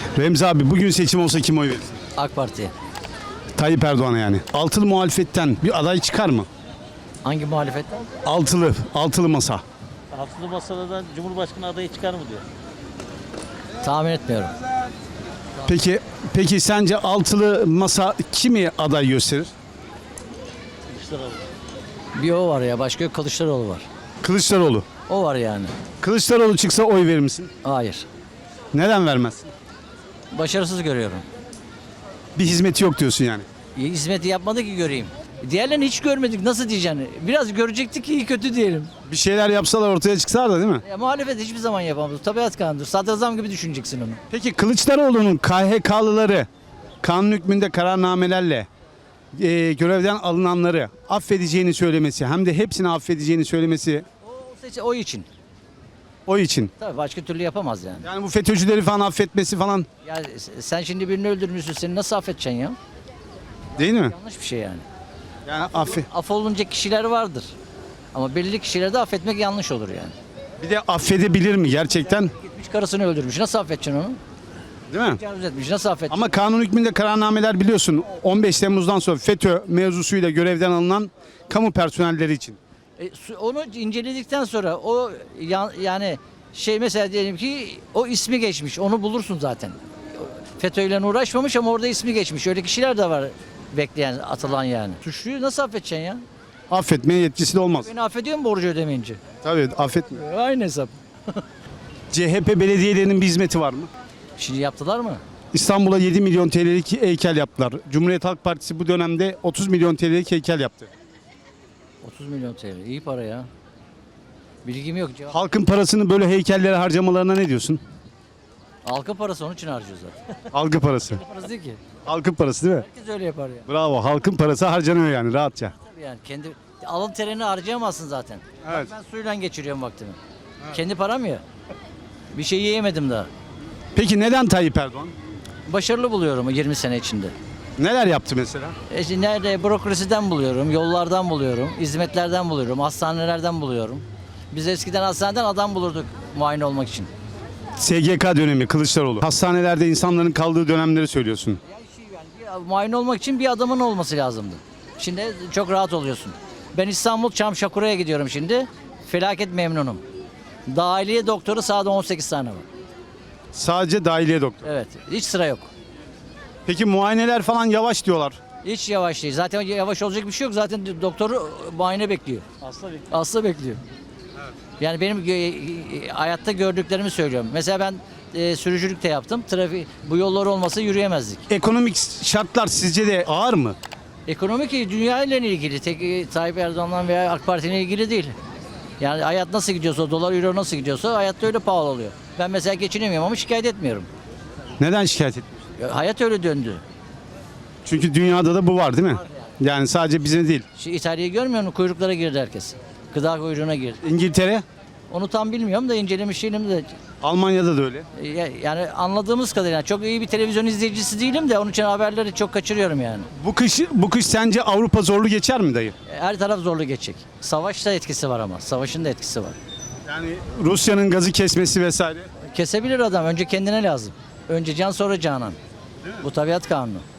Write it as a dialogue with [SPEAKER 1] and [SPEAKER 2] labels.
[SPEAKER 1] Remzi abi bugün seçim olsa kim oy verir?
[SPEAKER 2] AK Parti.
[SPEAKER 1] Tayyip Erdoğan'a yani. Altılı muhalefetten bir aday çıkar mı?
[SPEAKER 2] Hangi muhalefetten?
[SPEAKER 1] Altılı masa.
[SPEAKER 3] Altılı Masa'dan Cumhurbaşkanı adayı çıkar mı diyor.
[SPEAKER 2] Tahmin etmiyorum.
[SPEAKER 1] Peki sence altılı masa kimi aday gösterir?
[SPEAKER 3] Kılıçdaroğlu.
[SPEAKER 2] Bir o var ya, başka yok, Kılıçdaroğlu var.
[SPEAKER 1] Kılıçdaroğlu.
[SPEAKER 2] O var yani.
[SPEAKER 1] Kılıçdaroğlu çıksa oy verir misin?
[SPEAKER 2] Hayır.
[SPEAKER 1] Neden vermezsin?
[SPEAKER 2] Başarısız görüyorum.
[SPEAKER 1] Bir hizmeti yok diyorsun yani.
[SPEAKER 2] Hizmeti yapmadı ki göreyim. Diğerlerini hiç görmedik, nasıl diyeceksin? Biraz görecektik ki iyi kötü diyelim.
[SPEAKER 1] Bir şeyler yapsalar ortaya çıksalar da değil mi?
[SPEAKER 2] Ya, muhalefet hiçbir zaman yapamaz. Tabiat kanundur. Sadrazam gibi düşüneceksin onu.
[SPEAKER 1] Peki Kılıçdaroğlu'nun KHK'lıları kanun hükmünde kararnamelerle görevden alınanları affedeceğini söylemesi hem de hepsini affedeceğini söylemesi
[SPEAKER 2] O için.
[SPEAKER 1] o için.
[SPEAKER 2] Tabii başka türlü yapamaz yani.
[SPEAKER 1] Yani bu FETÖ'cüleri falan affetmesi falan
[SPEAKER 2] Ya sen şimdi birini öldürmüşsün, seni nasıl affedeceksin ya?
[SPEAKER 1] değil mi?
[SPEAKER 2] Yanlış bir şey yani.
[SPEAKER 1] Yani
[SPEAKER 2] Affolunacak kişiler vardır. Ama belirli kişileri de affetmek yanlış olur yani.
[SPEAKER 1] bir de affedebilir mi gerçekten?
[SPEAKER 2] Gitmiş karısını öldürmüş. Nasıl affedeceksin onu?
[SPEAKER 1] Değil mi?
[SPEAKER 2] Tecavüz etmiş. Nasıl affedeceksin?
[SPEAKER 1] Ama kanun hükmünde kararnameler biliyorsun 15 Temmuz'dan sonra FETÖ mevzusuyla görevden alınan kamu personelleri için.
[SPEAKER 2] Onu inceledikten sonra yani mesela diyelim ki o ismi geçmiş. Onu bulursun zaten. FETÖ'yle uğraşmamış ama orada ismi geçmiş. Öyle kişiler de var bekleyen, atılan yani. Suçluyu nasıl affedeceksin ya?
[SPEAKER 1] Affetmeye yetkisi de olmaz.
[SPEAKER 2] Beni affediyor mu borcu ödemeyince?
[SPEAKER 1] Tabii affetmiyor.
[SPEAKER 2] Aynı hesap.
[SPEAKER 1] CHP belediyelerinin bir hizmeti var mı?
[SPEAKER 2] Şimdi yaptılar mı?
[SPEAKER 1] İstanbul'a 7 milyon TL'lik heykel yaptılar. Cumhuriyet Halk Partisi bu dönemde 30 milyon TL'lik heykel yaptı.
[SPEAKER 2] 30 milyon TL. İyi para ya. Bilgim yok.
[SPEAKER 1] Halkın parasını böyle heykellere harcamalarına ne diyorsun?
[SPEAKER 2] Halkın parası onun için harcıyor zaten.
[SPEAKER 1] Algı parası.
[SPEAKER 2] Parası değil ki.
[SPEAKER 1] Halkın parası değil mi?
[SPEAKER 2] Herkes öyle yapar ya.
[SPEAKER 1] Bravo. Halkın parası harcanıyor yani rahatça.
[SPEAKER 2] Tabii yani kendi alın terini harcayamazsın zaten.
[SPEAKER 1] Evet.
[SPEAKER 2] Bak ben suyla geçiriyorum vaktimi. Kendi param ya. Bir şey yiyemedim daha.
[SPEAKER 1] Peki neden Tayyip Erdoğan?
[SPEAKER 2] Başarılı buluyorum 20 sene içinde.
[SPEAKER 1] Neler yaptı mesela?
[SPEAKER 2] Şimdi nerede bürokrasiden buluyorum, yollardan buluyorum, hizmetlerden buluyorum, hastanelerden buluyorum. Biz eskiden hastaneden adam bulurduk muayene olmak için.
[SPEAKER 1] SGK dönemi Kılıçdaroğlu. Hastanelerde insanların kaldığı dönemleri söylüyorsun.
[SPEAKER 2] Muayene olmak için bir adamın olması lazımdı. Şimdi çok rahat oluyorsun. Ben İstanbul Çamşakura'ya gidiyorum şimdi. Felaket memnunum. Dahiliye doktoru sahada 18 tane var.
[SPEAKER 1] Sadece dahiliye doktor.
[SPEAKER 2] Evet, hiç sıra yok.
[SPEAKER 1] Peki muayeneler falan yavaş diyorlar.
[SPEAKER 2] Hiç yavaş değil. Zaten yavaş olacak bir şey yok. Zaten doktoru muayene bekliyor. Hasta bekliyor. Yani benim hayatta gördüklerimi söylüyorum. Mesela ben sürücülük de yaptım. Bu yollar olmasa yürüyemezdik.
[SPEAKER 1] Ekonomik şartlar sizce de ağır mı?
[SPEAKER 2] Ekonomik dünya ile ilgili. Tek Tayyip Erdoğan'la veya AK Parti'yle ilgili değil. Yani hayat nasıl gidiyorsa, dolar euro nasıl gidiyorsa hayatta öyle pahalı oluyor. Ben mesela geçinemiyorum ama şikayet etmiyorum.
[SPEAKER 1] Neden şikayet etmiyorsun?
[SPEAKER 2] Hayat öyle döndü.
[SPEAKER 1] Çünkü dünyada da bu var değil mi? Yani sadece bize değil.
[SPEAKER 2] Şu İtalya'yı görmüyor musun? Kuyruklara girdi herkes. Gıda kuyruğuna girdi.
[SPEAKER 1] İngiltere,
[SPEAKER 2] Onu tam bilmiyorum da incelemiş değilim de.
[SPEAKER 1] Almanya'da da öyle.
[SPEAKER 2] Yani anladığımız kadarıyla çok iyi bir televizyon izleyicisi değilim de onun için haberleri çok kaçırıyorum yani.
[SPEAKER 1] Bu kış sence Avrupa zorlu geçer mi dayı?
[SPEAKER 2] Her taraf zorlu geçecek. Savaşta etkisi var ama. Savaşın da etkisi var.
[SPEAKER 1] Yani Rusya'nın gazı kesmesi vesaire.
[SPEAKER 2] Kesebilir adam. Önce kendine lazım. Önce can sonra canan. Bu tabiat kanunu.